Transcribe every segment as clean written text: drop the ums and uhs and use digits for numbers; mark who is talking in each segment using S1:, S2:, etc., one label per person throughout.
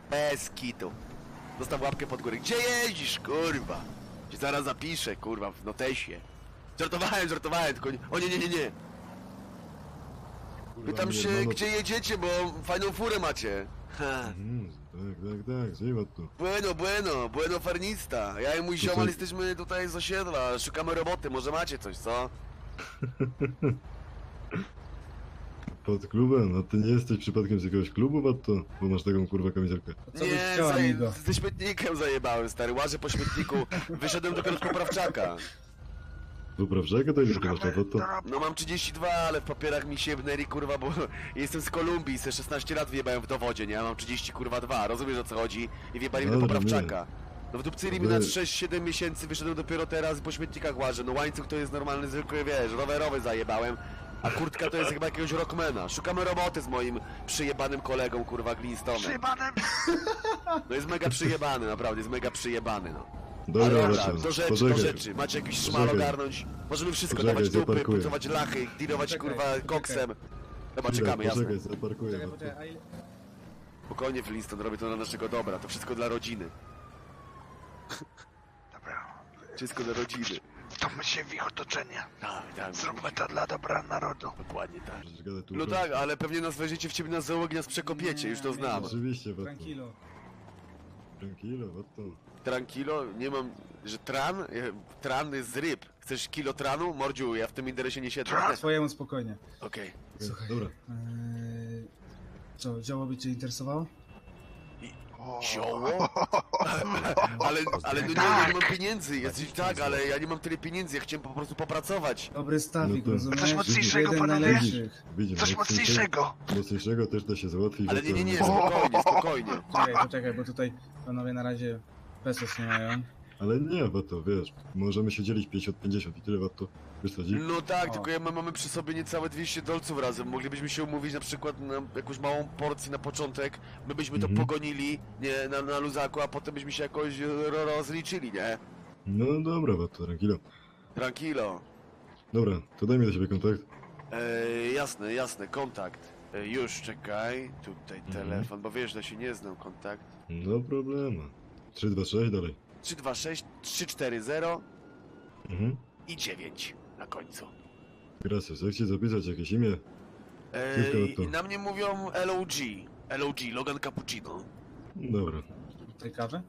S1: Bez kitu. Zostaw łapkę pod górę. Gdzie jeździsz, kurwa? Cię zaraz zapiszę, kurwa, w notesie. Żartowałem, tylko nie... O nie. Pytam się, gdzie jedziecie, bo fajną furę macie. Ha.
S2: Tak, żywa tu.
S1: Bueno farnista. Ja i mój ziomal jesteśmy tutaj z osiedla, szukamy roboty, może macie coś, co?
S2: Pod klubem? A ty nie jesteś przypadkiem z jakiegoś klubu, Watto? Bo masz taką kurwa kamizelkę.
S3: Co byś chciał, amigo?
S1: ze śmietnikiem zajebałem, stary, łażę po śmietniku, wyszedłem dopiero z poprawczaka.
S2: Poprawczaka to ile masz, Watto?
S1: No mam 32, ale w papierach mi się jebnęli, kurwa, bo jestem z Kolumbii, se 16 lat wjebałem w dowodzie, nie? Ja mam 30, kurwa, 2, rozumiesz o co chodzi? I wjebali mnie do
S2: Dobra,
S1: poprawczaka. No wdupcyli mi na 6-7 miesięcy, wyszedłem dopiero teraz i po śmietnikach łażę. No łańcuch to jest normalny, zwykły, wiesz, rowerowy zajebałem. A kurtka to jest chyba jakiegoś rockmana. Szukamy roboty z moim przyjebanym kolegą, kurwa, Glintstonem.
S4: Przyjebanem!
S1: No jest mega przyjebany, naprawdę, jest mega przyjebany, no.
S2: Dobra,
S1: Ale
S2: Watto,
S1: do rzeczy,
S2: poczekaj.
S1: do rzeczy. Macie jakiś szmal
S2: Poczekaj.
S1: ogarnąć? Możemy wszystko,
S2: Poczekaj,
S1: dawać dupy,
S2: zaparkuję.
S1: pucować lachy, dealować,
S3: Poczekaj,
S1: kurwa,
S3: poczekaj.
S1: koksem. Dobra,
S2: Chwilę,
S1: czekamy, jasne.
S2: Poczekaj, zaparkuję,
S3: Czekaj,
S2: Watto.
S3: poczekaj, a ile...
S1: Spokojnie, Flintstone, robię to dla naszego dobra, to wszystko dla rodziny.
S4: Dobra,
S1: Wszystko dla rodziny.
S4: wtopmy się w ich otoczenie.
S1: Tak,
S4: Zróbmy to dla dobra narodu.
S1: dokładnie tak.
S2: Przecież gadaj tu.
S1: No tak, ale pewnie nas weźmiecie w ciebie na załogi, nas przekopiecie, już to znam.
S2: Oczywiście, Watto.
S3: Tranquilo.
S2: Tranquilo, Watto.
S1: Trankilo, nie mam, że tran? Tran jest z ryb. Chcesz kilo tranu? Mordziu, ja w tym interesie nie siedzę.
S4: Tran?
S3: Swojemu spokojnie.
S1: Okej.
S3: Słuchaj.
S2: Dobra.
S3: Co, działo by cię interesowało?
S1: Zioło? Ale no nie mam pieniędzy. Jesteś tak, ale ja nie mam tyle pieniędzy, ja chciałem po prostu popracować.
S3: Dobry stawik,
S2: No to-
S3: rozumiesz?
S4: Coś mocniejszego,
S3: Jeden
S4: panowie?
S3: najlepszych.
S2: Widzimy.
S4: Coś mocniejszego!
S2: Mocniejszego też da się załatwić.
S1: Ale
S2: Watto.
S1: nie, spokojnie.
S3: Poczekaj, bo tutaj panowie na razie pesos nie mają.
S2: Ale nie, Watto, wiesz, możemy się dzielić 50-50 i tyle, Watto. Wiesz co, dzi?
S1: No tak,
S3: O.
S1: tylko mamy przy sobie niecałe 200 dolców razem. Moglibyśmy się umówić na przykład na jakąś małą porcję na początek. My byśmy to pogonili, nie, na luzaku, a potem byśmy się jakoś rozliczyli, nie?
S2: No dobra, Watto, tranquilo.
S1: Tranquilo.
S2: Dobra, to daj mi do siebie kontakt.
S1: Jasne, kontakt. Już, czekaj, tutaj telefon, bo wiesz, że się nie znam, kontakt.
S2: No problemu. 326 dalej.
S1: 326 340
S2: Mhm.
S1: i 9 na końcu.
S2: Gracias, jak ci zapisać jakieś imię? Tylko to.
S1: I na mnie mówią LOG, Logan Cappuccino.
S2: Dobra.
S3: Tej kawy?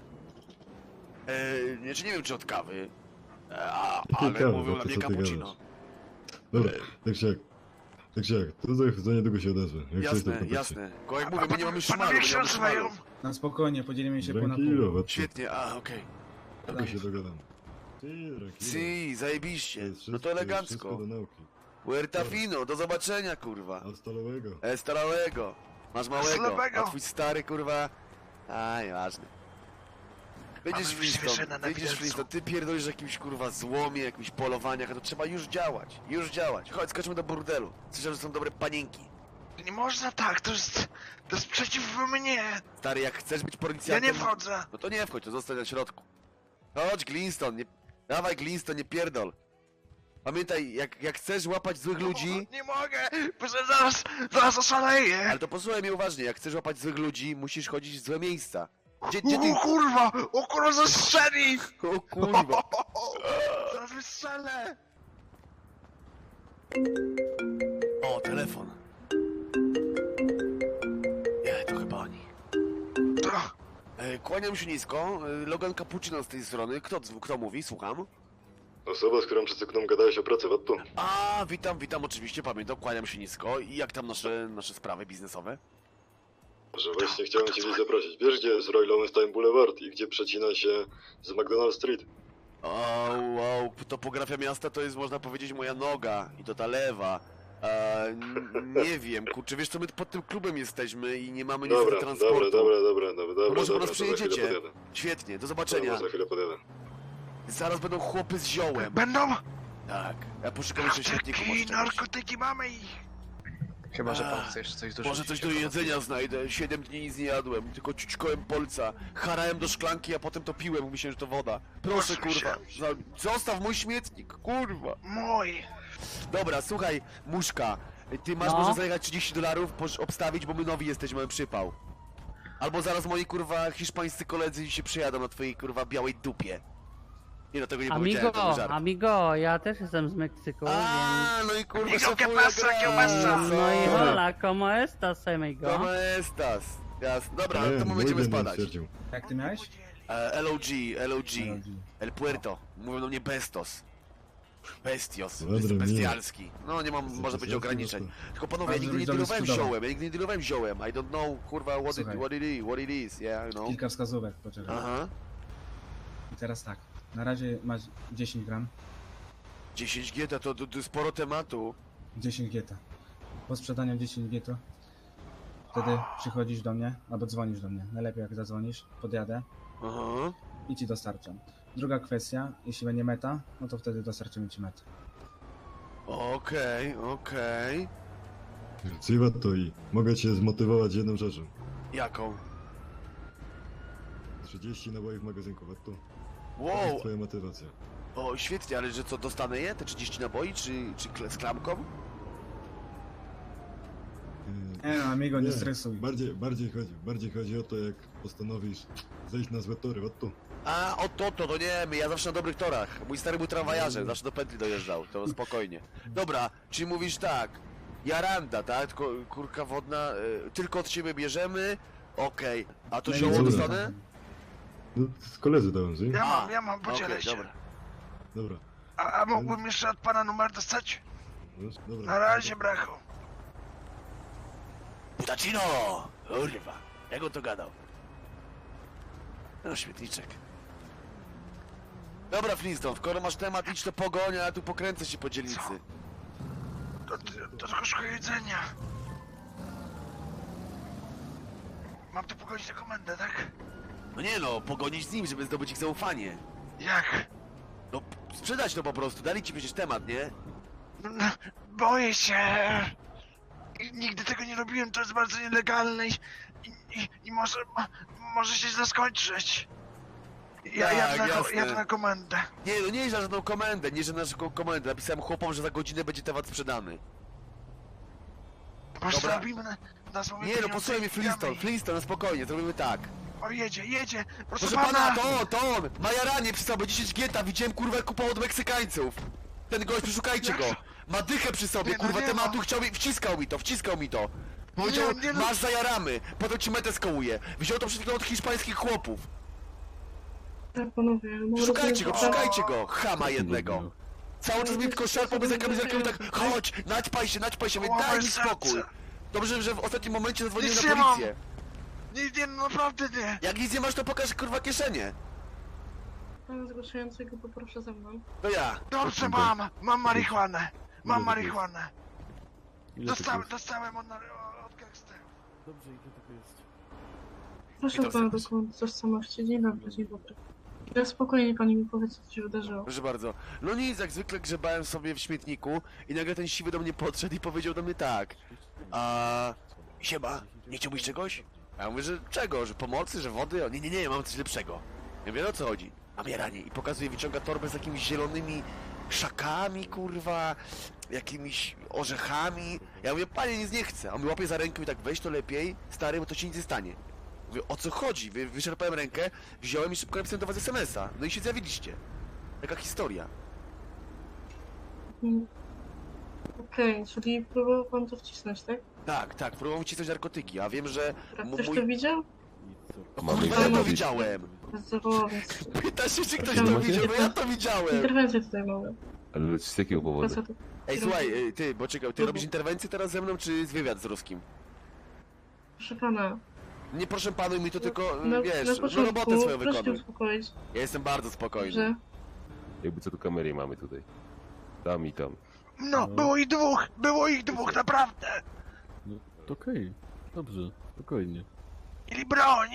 S1: Nie wiem czy od kawy,
S2: Jakiej
S1: ale
S2: kawy?
S1: mówią
S2: No
S1: na
S2: to
S1: mnie
S2: co ty
S1: cappuccino.
S2: gadasz? Dobra, tak czy jak. To za niedługo się odezwę. Jak coś, to w kontakcie.
S1: Jasne. Tylko jak mówię, my nie mamy szmalu,
S4: Panowie,
S1: my
S4: jak
S1: nie
S4: się
S1: mamy
S4: nazywają?
S1: szmalu.
S3: Na spokojnie, podzielimy się pół na
S2: Tranquilo,
S3: pół.
S2: Watto.
S1: Świetnie, okej.
S2: Tylko się dogadam. Tranquilo.
S1: Si,
S2: To
S1: zajebiście.
S2: jest
S1: No
S2: wszystko-
S1: to
S2: jest wszystko
S1: elegancko.
S2: do nauki.
S1: Puerta fino, do zobaczenia, kurwa.
S2: Hasta luego.
S1: Starałego. Masz małego,
S4: Slabego.
S1: a twój stary, kurwa... Ważny. Będziesz
S4: Mamy
S1: Flintstone,
S4: wyświeżone na
S1: będziesz
S4: widelcu.
S1: Flintstone, ty pierdolisz o jakimś kurwa złomie, jakimś polowaniach, a to trzeba już działać. Chodź, skoczmy do burdelu. Słyszałem, że są dobre panienki.
S4: Nie można tak, to jest przeciw mnie!
S1: Stary, jak chcesz być
S4: Ja
S1: policjantem...
S4: nie wchodzę!
S1: No to nie wchodź, to zostań na środku. Chodź, Glintstone, nie... Dawaj, Glintstone, nie pierdol. Pamiętaj, jak chcesz łapać złych ludzi...
S4: Nie mogę, bo zaraz oszaleję!
S1: Ale to posłuchaj mnie uważnie, jak chcesz łapać złych ludzi, musisz chodzić w złe miejsca. Gdzie ty...
S4: O kurwa, zastrzeli!
S1: O kurwa.
S4: Zaraz wystrzelę!
S1: O, telefon. Nie, to chyba oni.
S4: To,
S1: Kłaniam się nisko, Logan Cappuccino z tej strony. Kto mówi? Słucham.
S2: Osoba, z którą przed sekundą gadałeś o pracy, Watto.
S1: A, witam, oczywiście, pamiętam, kłaniam się nisko. I jak tam nasze sprawy biznesowe?
S2: Że właśnie chciałem cię gdzieś zaprosić. Wiesz, gdzie jest Roy Lowenstein Boulevard i gdzie przecina się z McDonald Street?
S1: Wow, topografia miasta to jest, można powiedzieć, moja noga. I to ta lewa. Nie wiem, kurczę, wiesz co, my pod tym klubem jesteśmy i nie mamy niestety transportu.
S2: Dobra,
S1: Może po nas
S2: to za chwilę
S1: przyjedziecie.
S2: podjadę.
S1: Świetnie, do
S2: Dobra,
S1: zobaczenia.
S2: za chwilę podjadę.
S1: Zaraz będą chłopy z ziołem.
S4: będą?
S1: Tak, ja poszukam jeszcze świetników. może
S4: Narkotyki,
S1: czegoś.
S4: narkotyki, mamy ich!
S5: Chyba, że pan chce jeszcze coś dorzucić.
S1: Może coś do jedzenia znajdę. 7 dni nic nie jadłem, tylko ciućkołem polca. Harałem do szklanki, a potem to piłem, myślałem, że to woda. Proszę,
S4: Proszę
S1: kurwa. Zostaw mój śmietnik, kurwa.
S4: Mój!
S1: Dobra, słuchaj, muszka. Ty masz
S6: No.
S1: może zajechać $30, obstawić, bo my nowi jesteśmy, mamy przypał. Albo zaraz moi kurwa hiszpańscy koledzy się przyjadą na twojej kurwa białej dupie. Nie no, tego nie powiedziałem, to był żart.
S6: Amigo, ja też jestem z Meksyku, więc...
S1: A, no i kurwa
S4: Amigo,
S1: szefuje
S4: ¿qué pasa?
S1: gra.
S4: ¿Qué pasa?
S6: No i hola, como estas, amigo?
S1: Como estas? Jasne. Dobra, ale to my
S2: Muy
S1: będziemy
S2: bien,
S1: spadać.
S2: stwierdził.
S3: Jak ty miałeś?
S1: LOG. El Puerto. Mówią do mnie Bestos. Bestios.
S2: Madre
S1: Jestem
S2: mia.
S1: bestialski. No nie mam, może być
S2: Bestialski,
S1: ograniczeń.
S2: no
S1: Tylko panowie, ja
S3: Bardzo
S1: nigdy nie
S3: widzowie
S1: dealowałem
S3: cudowne.
S1: ziołem. Ja nigdy nie dealowałem ziołem. I don't know, kurwa,
S3: Słuchaj.
S1: what it is, yeah, I know.
S3: Kilka wskazówek, poczekaj.
S1: Aha.
S3: I teraz tak. Na razie masz 10 gram.
S1: 10 GT to sporo tematu.
S3: 10 gieta. Po sprzedaniu 10 gieto wtedy przychodzisz do mnie, albo dzwonisz do mnie. Najlepiej jak zadzwonisz, podjadę
S1: Aha.
S3: i ci dostarczam. Druga kwestia, jeśli będzie meta, no to wtedy dostarczymy ci metę.
S1: Okej.
S2: Ciwa to i mogę cię zmotywować jedną rzeczą.
S1: Jaką?
S2: 30 naboi w magazynku, a to
S1: Wow,
S2: jest twoja motywacja.
S1: o świetnie, ale że co, dostanę je? Te 30 naboi, czy z klamką?
S3: Nie no, amigo, nie stresuj.
S2: Bardziej chodzi o to, jak postanowisz zejść na złe tory, od tu.
S1: A, o to nie, ja zawsze na dobrych torach. Mój stary był tramwajarzem, zawsze do pętli dojeżdżał, to spokojnie. Dobra, czyli mówisz tak, jaranda, tak? Tylko kurka wodna, tylko od siebie bierzemy, okej. A to
S3: No i
S1: zioło
S2: dobra.
S1: dostanę?
S2: No, z koledzy dałem, z
S4: Ja mam, podzielę
S1: Okej,
S4: się.
S1: dobra.
S2: Dobra.
S4: A mógłbym jeszcze od pana numer dostać?
S2: No, dobra.
S4: Na razie, brachu.
S1: Putacino! Kurwa, jak on to gadał? No, śmietniczek. Dobra, Flintstone, skoro masz temat, idź to pogoń, a ja tu pokręcę się po dzielnicy.
S4: To tylko szukaj jedzenia. Mam tu pogodzić na komendę, tak?
S1: No nie no, pogonić z nim, żeby zdobyć ich zaufanie.
S4: Jak?
S1: No, sprzedać to po prostu, dali ci przecież temat, nie?
S4: No, boję się. Nigdy tego nie robiłem, to jest bardzo nielegalne i może się źle skończyć.
S1: Tak, jasne.
S4: Jadę na komendę.
S1: Nie, no nie na żadną komendę, nie że na żadną komendę. Napisałem chłopom, że za godzinę będzie temat sprzedany.
S4: Może
S1: Dobra.
S4: zrobimy na słowie
S1: Nie no, posłuchaj mnie Flintstone, Flintstone, no spokojnie, zrobimy tak.
S4: O, jedzie.
S1: Proszę pana, to on! Ma jaranie przy sobie, 10 gieta, widziałem kurwa jak kupował od Meksykańców. Ten gość, przeszukajcie go. Ma dychę przy sobie,
S4: Nie, no
S1: kurwa,
S4: nie
S1: tematu
S4: ma.
S1: chciał mi, wciskał mi to. Powiedział,
S4: Nie, no.
S1: masz zajaramy, potem ci metę skołuje. Wziął to przed chwilą od hiszpańskich chłopów.
S7: Tak, panowie, no
S1: Szukajcie go,
S7: rozumiem, że-
S1: szukajcie go, chama jednego. Cały czas mnie tylko szarpał bez kamizelką i tak, chodź, naćpaj się, mówię, daj mi spokój. Dobrze, że w ostatnim momencie zadzwoniłem
S4: Nic
S1: na
S4: nie mam.
S1: policję.
S4: Nie, naprawdę nie.
S1: Jak nic nie masz, to pokaż kurwa kieszenie.
S7: Pana zgłaszającego poproszę ze mną.
S1: To ja.
S4: Dobrze, mam marihuanę. Mam
S2: Ile
S4: marihuanę.
S2: Ile to jest?
S4: Dostałem od gangsterów.
S7: Proszę
S1: Witam
S7: pana
S1: serdecznie.
S7: dokument tożsamości. Dzień dobry. Ja spokojnie pani mi powie, co się wydarzyło.
S1: Proszę bardzo. No nic, jak zwykle grzebałem sobie w śmietniku i nagle ten siwy do mnie podszedł i powiedział do mnie tak. Siema, nie chciałbyś czegoś? A ja mówię, że czego? Że pomocy, że wody? O, nie, mam coś lepszego. Ja mówię, o co chodzi? A mnie ranie. I pokazuje, wyciąga torbę z jakimiś zielonymi szakami, kurwa, jakimiś orzechami. Ja mówię, panie, nic nie chcę. A on mi łapie za rękę i tak, weź to lepiej, stary, bo to ci nic nie stanie. Mówię, o co chodzi? Wyczerpałem rękę, wziąłem i szybko napisałem do was SMS-a. No i się zjawiliście. Taka historia.
S7: Mm. Okej, czyli próbował pan to wcisnąć, tak?
S1: Tak, próbował wcisnąć narkotyki, a wiem, że
S7: Ktoś
S1: mój...
S7: to widział?
S1: No, kurwa, ja to widziałem!
S7: Zawołał, więc
S1: Pyta się, czy ktoś
S7: Proszę,
S1: to
S7: macie?
S1: widział, no ja to widziałem!
S7: interwencję tutaj mamy.
S8: Ale z jakiego powodu?
S7: Facetów.
S1: Ej, słuchaj, ty, bo czekaj, ty robisz interwencję teraz ze mną, czy wywiad z ruskim?
S7: Proszę pana,
S1: Nie proszę panu mi to tylko,
S7: na
S1: wiesz, no
S7: początku
S1: robotę swoją
S7: proszę się
S1: wykonuj.
S7: uspokoić,
S1: Ja jestem bardzo spokojny.
S7: że
S8: Jakby co tu kamery mamy tutaj. Tam i tam.
S4: No, było ich dwóch, naprawdę.
S9: No, to okej. Dobrze, spokojnie.
S4: Mieli broń.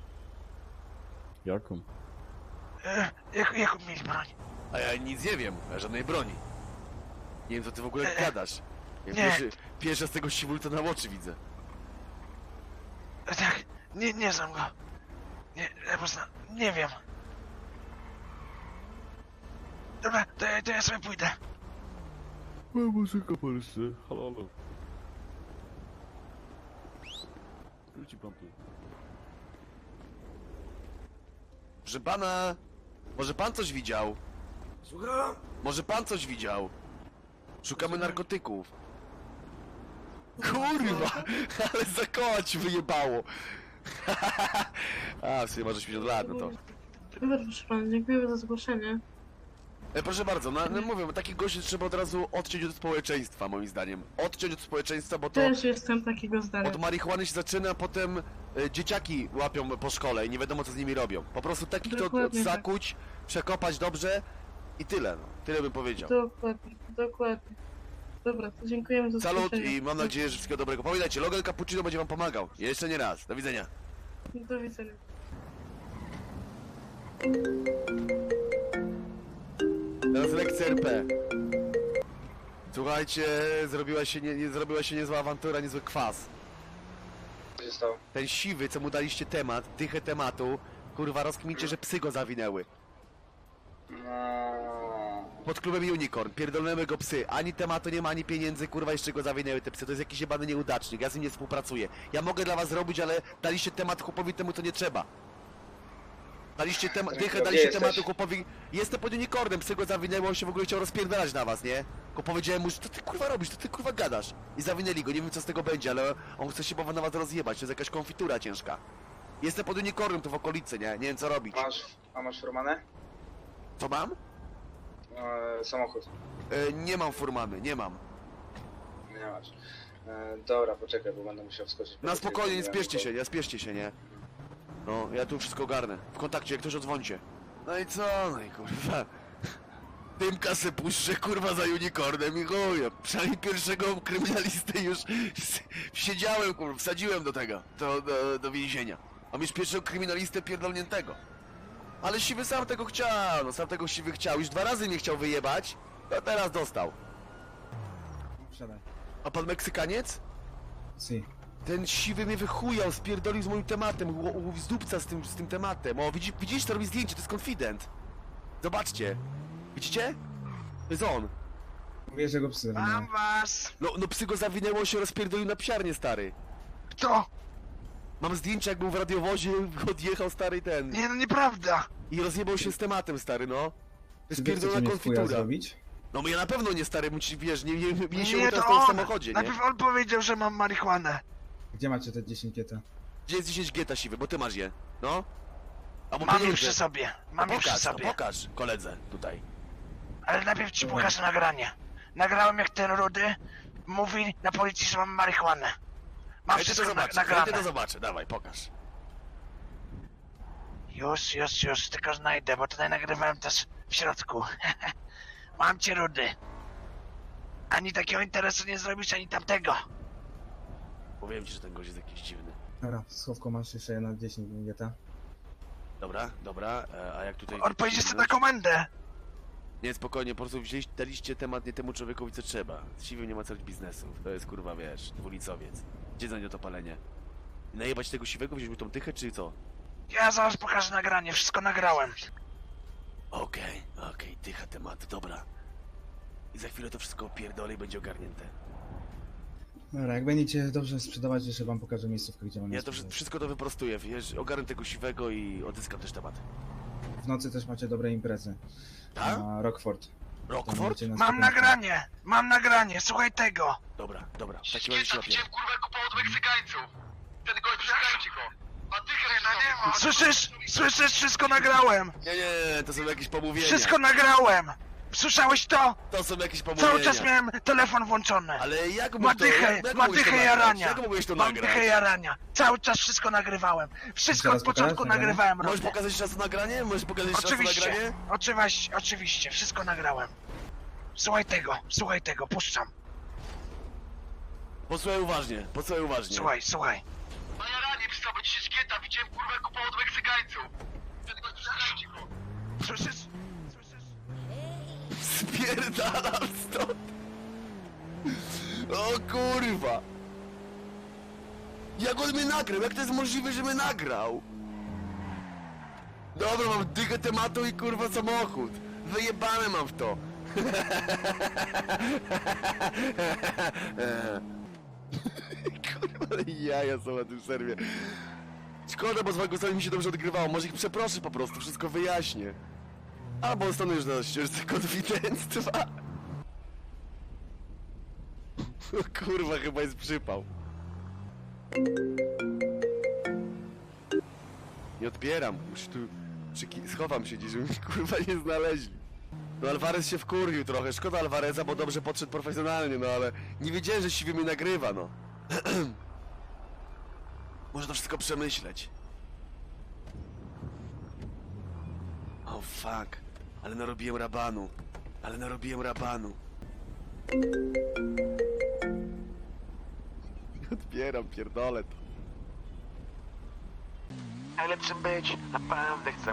S9: Jaką?
S4: Jaką mieli broń?
S1: A ja nic nie wiem, o żadnej broni. Nie wiem, co ty w ogóle gadasz. Ja
S4: nie.
S1: pierwszy z tego siwulca na oczy widzę.
S4: Tak, nie znam go. Nie, ja po prostu nie wiem. Dobra, to ja sobie pójdę.
S9: O, muzyka Polsce. Halo. Wróci pan tu.
S1: Proszę pana, może pan coś widział?
S4: Słucham?
S1: Może pan coś widział? Szukamy narkotyków. Kurwa, ale za koła ci wyjebało. A, w sumie może 50 lat, no to.
S7: Dobra, proszę pana, dziękuję za zgłoszenie.
S1: Proszę bardzo, no mówię, takich gości trzeba od razu odciąć od społeczeństwa, moim zdaniem. Odciąć od społeczeństwa, bo to
S7: Też jestem takiego zdania.
S1: od marihuany się zaczyna, a potem dzieciaki łapią po szkole i nie wiadomo co z nimi robią. Po prostu takich to
S7: Dokładnie tak.
S1: zakuć, przekopać dobrze i tyle, no. Tyle bym powiedział.
S7: Dokładnie, dokładnie. Dobra, to dziękujemy za
S1: Salut
S7: zgłoszenie.
S1: i mam nadzieję, że wszystkiego dobrego. Pamiętajcie, Logan Cappuccino będzie wam pomagał. Jeszcze nie raz. Do widzenia.
S7: Do widzenia.
S1: Teraz lekcja RP. Słuchajcie, zrobiła się niezła awantura, niezły kwas.
S5: Co się stało?
S1: Ten siwy, co mu daliście temat, dychę tematu, kurwa, rozkmincie, że psy go zawinęły. Pod klubem Unicorn, pierdolnemy go psy. Ani tematu nie ma, ani pieniędzy, kurwa, jeszcze go zawinęły te psy. To jest jakiś jebany nieudacznik, ja z nim nie współpracuję. Ja mogę dla was zrobić, ale daliście temat chłopowi temu, co nie trzeba. Daliście dychę, daliście tematu chłopowi. Jestem pod Unicornem, psy go zawinęły, on się w ogóle chciał rozpierdalać na was, nie? Tylko powiedziałem mu, że to ty kurwa robisz, to ty kurwa gadasz. I zawinęli go, nie wiem co z tego będzie, ale on chce się na was rozjebać, to jest jakaś konfitura ciężka. Jestem pod Unicornem tu w okolicy, nie? Nie wiem co robić.
S5: Masz furmanę?
S1: Co mam?
S5: Samochód.
S1: Nie mam furmany, nie mam.
S5: Nie masz. Dobra, poczekaj, bo będę musiał wskoczyć.
S1: Na spokojnie, nie spieszcie się, nie? No, ja tu wszystko ogarnę. W kontakcie, jak ktoś odzwońcie. No i co? No i kurwa. Dymka se puszczę, kurwa, za Unicornem i chuj. Przynajmniej pierwszego kryminalistę już siedziałem, kurwa, wsadziłem do tego, do więzienia. Mam już pierwszego kryminalistę pierdolniętego. Ale siwy sam tego chciał, no sam tego siwy chciał. Już 2 razy mnie chciał wyjebać, a teraz dostał.
S3: Wsiadaj.
S1: A pan Meksykaniec?
S3: Si.
S1: Ten siwy mnie wychujał, spierdolił z moim tematem, z dupca z tym tematem. O, widzisz, to robi zdjęcie, to jest konfident. Zobaczcie. Widzicie? To jest on.
S3: Mówię, że go psy
S4: Mam
S3: zawinęły.
S4: was!
S1: No psy go zawinęło, się rozpierdolił na psiarnię, stary.
S4: Kto?
S1: Mam zdjęcie, jak był w radiowozie, odjechał stary ten.
S4: Nie, no nieprawda!
S1: I rozjebał się z tematem, stary, no. To jest
S3: Czy wy chcecie
S1: pierdolona
S3: mnie w chuja
S1: konfitura.
S3: zrobić?
S1: No ja na pewno nie, stary, wiesz, nie się
S4: Nie,
S1: teraz
S4: to
S1: w
S4: on!
S1: samochodzie, nie?
S4: Najpierw on powiedział, że mam marihuanę.
S3: Gdzie macie te 10 kieta?
S1: Gdzie jest 10 geta siwy, bo ty masz je, no? Albo
S4: Mam je
S1: pieniądze.
S4: przy sobie. Mam je przy
S1: Pokaż,
S4: sobie.
S1: pokaż koledze tutaj.
S4: Ale najpierw ci pokażę nagranie. Nagrałem jak ten rudy mówi na policji, że mam marihuanę. Mam
S1: Chętnie to
S4: wszystko
S1: zobaczę,
S4: nagrane.
S1: chętnie to zobaczę, dawaj, pokaż.
S4: Już, tylko znajdę, bo tutaj nagrywałem też w środku. Mam cię, rudy. Ani takiego interesu nie zrobisz, ani tamtego.
S1: Powiem ci, że ten gość jest jakiś dziwny.
S3: Dobra, w schowku masz jeszcze jedna 10 kieta.
S1: Dobra, a jak tutaj...
S4: On pojedzie sobie na komendę.
S1: Nie, spokojnie, po prostu daliście temat nie temu człowiekowi, co trzeba. Z siwym nie ma co robić biznesu. To jest, kurwa, wiesz, dwulicowiec. Gdzie znajdzie to palenie? Najebać tego siwego, wziąć mu tą tychę, czy co?
S4: Ja zaraz pokażę nagranie, wszystko nagrałem.
S1: Okej, tycha tematu, dobra. I za chwilę to wszystko opierdolę i będzie ogarnięte.
S3: Dobra, jak będziecie dobrze sprzedawać, jeszcze wam pokażę miejscówkę, gdzie mam
S1: Ja
S3: je
S1: to
S3: sprzedać.
S1: wszystko to wyprostuję, wiesz, ogarnę tego siwego i odzyskam też temat.
S3: W nocy też macie dobre imprezy.
S1: Tak?
S3: Na Rockford. Tam
S1: Rockford?
S3: możecie na
S4: Mam
S3: spokojnie.
S4: nagranie, słuchaj tego.
S1: Dobra, w takim razie się łapię.
S4: kurwa kupował od Meksykańców. Ten gość, przeszkajcie go. Słyszysz, wszystko nagrałem.
S1: Nie, to są jakieś pomówienia.
S4: Wszystko nagrałem. Słyszałeś to?
S1: To są jakieś pomówienia.
S4: Cały czas miałem telefon włączony.
S1: Ale jak mógł
S4: Ma
S1: to...
S4: dychę,
S1: jak
S4: ma
S1: mogłeś to
S4: dychę
S1: nagrać?
S4: jarania.
S1: Jak mogłeś to
S4: Mam
S1: nagrać?
S4: dychę jarania. Cały czas wszystko nagrywałem. Wszystko
S3: Teraz
S4: od początku
S3: pokażesz nagranie?
S4: nagrywałem,
S1: Możesz
S4: Rodę.
S1: pokazać jeszcze raz to nagranie? Możesz pokazać jeszcze raz to
S4: Oczywiście,
S1: nagranie?
S4: oczywiście, wszystko nagrałem. Słuchaj tego, puszczam.
S1: Posłuchaj uważnie.
S4: Słuchaj. Na jaranie przy sobie 10 gieta, widziałem kurwa kupował od Meksykańców. Ten gość, przeszkajcie go. Słyszysz?
S1: Spierdalam stąd. O kurwa. Jak on mnie nagrał? Jak to jest możliwe, że mnie nagrał? Dobra, mam dychę tematu i kurwa samochód. Wyjebane mam w to. Kurwa, ale jaja są na tym serwie. szkoda, bo z Wagusami mi się dobrze odgrywało. Może ich przeproszę po prostu, wszystko wyjaśnię. Albo zostanę już na ścieżce konfidenctwa. O kurwa, chyba jest przypał. Nie odbieram, już tu schowam się gdzieś, żeby mnie kurwa nie znaleźli. No Alvarez się wkurwił trochę, szkoda Alvareza, bo dobrze podszedł profesjonalnie, no ale nie wiedziałem, że siwy mnie nagrywa, no. Muszę to wszystko przemyśleć. Oh fuck, ale narobiłem rabanu. Odbieram, pierdolę to.
S4: Najlepszym być, naprawdę chcę